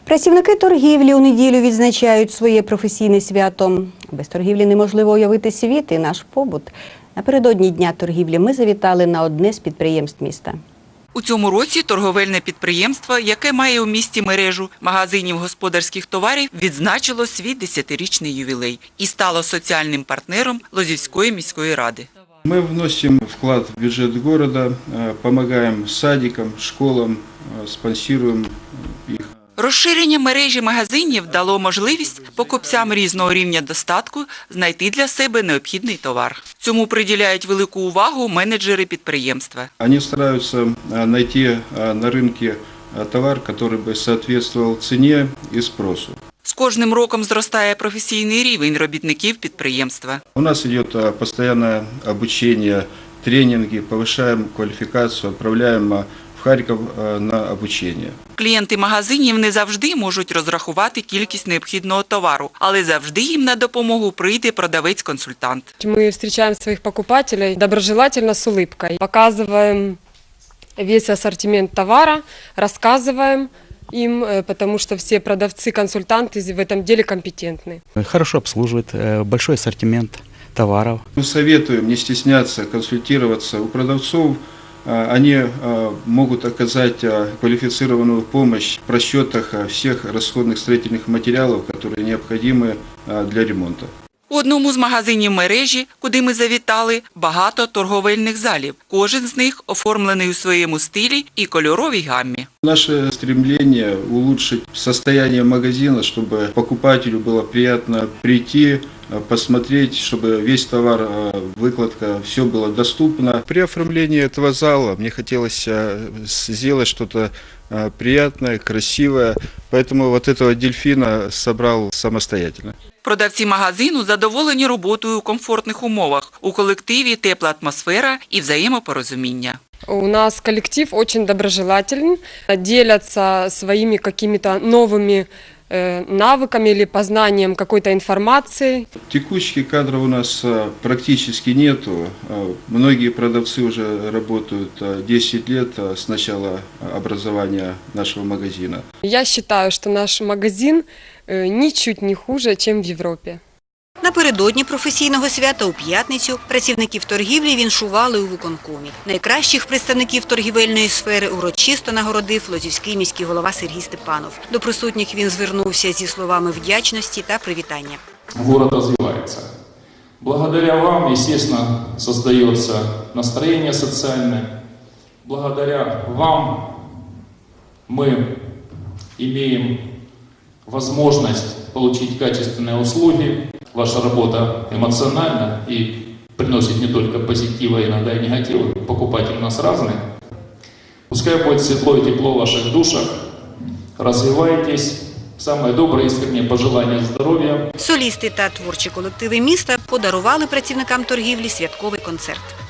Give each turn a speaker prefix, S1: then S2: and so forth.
S1: Працівники торгівлі у неділю відзначають своє професійне свято. Без торгівлі неможливо уявити світ і наш побут. Напередодні Дня торгівлі ми завітали на одне з підприємств міста.
S2: У цьому році торговельне підприємство, яке має у місті мережу магазинів господарських товарів, відзначило свій 10-річний ювілей і стало соціальним партнером Лозівської міської ради.
S3: Мы вносим вклад в бюджет города, помогаем садикам, школам, спонсируем их.
S2: Розширення мережі магазинів дало можливість покупцям різного рівня достатку знайти для себе необхідний товар. Цьому приділяють велику увагу менеджери підприємства.
S3: Они стараются найти на рынке товар, который бы соответствовал цене и спросу.
S2: З кожним роком зростає професійний рівень робітників підприємства.
S3: У нас идет постоянное обучение, тренинги, повышаем квалификацию, отправляем в Харьков на обучение.
S2: Клієнти магазинів не завжди можуть розрахувати кількість необхідного товару, але завжди їм на допомогу прийде продавець-консультант.
S4: Мы встречаем своих покупателей доброжелательно с улыбкой, показываем весь ассортимент товара, рассказываем им, потому что все продавцы-консультанты в этом деле компетентны.
S5: Хорошо обслуживает, большой ассортимент товаров.
S3: Мы советуем не стесняться, консультироваться у продавцов. Они могут оказать квалифицированную помощь в расчетах всех расходных строительных материалов, которые необходимы для ремонта.
S2: У одному з магазинів мережі, куди ми завітали, багато торговельних залів. Кожен з них оформлений у своєму стилі і кольоровій гаммі.
S3: Наше стремление улучшить состояние магазина, чтобы покупателю было приятно прийти, посмотреть, чтобы весь товар, выкладка, все было доступно. При оформлении этого зала мне хотелось сделать что-то приятное, красивое, поэтому вот этого дельфина собрал самостоятельно.
S2: Продавці магазину задоволені роботою у комфортних умовах. У колективі тепла атмосфера і взаємопорозуміння.
S4: У нас коллектив очень доброжелателен, делятся своими какими-то новыми навыками или познанием какой-то информации.
S3: Текучки кадров у нас практически нету. Многие продавцы уже работают 10 лет с начала образования нашего магазина.
S4: Я считаю, что наш магазин ничуть не хуже, чем в Європі.
S1: Напередодні професійного свята у п'ятницю працівників торгівлі віншували у виконкомі. Найкращих представників торгівельної сфери урочисто нагородив Лозівський міський голова Сергій Степанов. До присутніх він звернувся зі словами вдячності та привітання.
S6: Город развивается. Благодаря вам, естественно, создается настроение социальное. Благодаря вам мы имеем возможность получить качественные услуги. Ваша работа эмоциональна и приносит не только позитива, иногда и негатива. Покупатели у нас разные. Пускай будет светло и тепло в ваших душах. Развивайтесь. Самое доброе искреннее пожелание здоровья.
S1: Солісти та творчі колективи міста подарували працівникам торгівлі святковий концерт.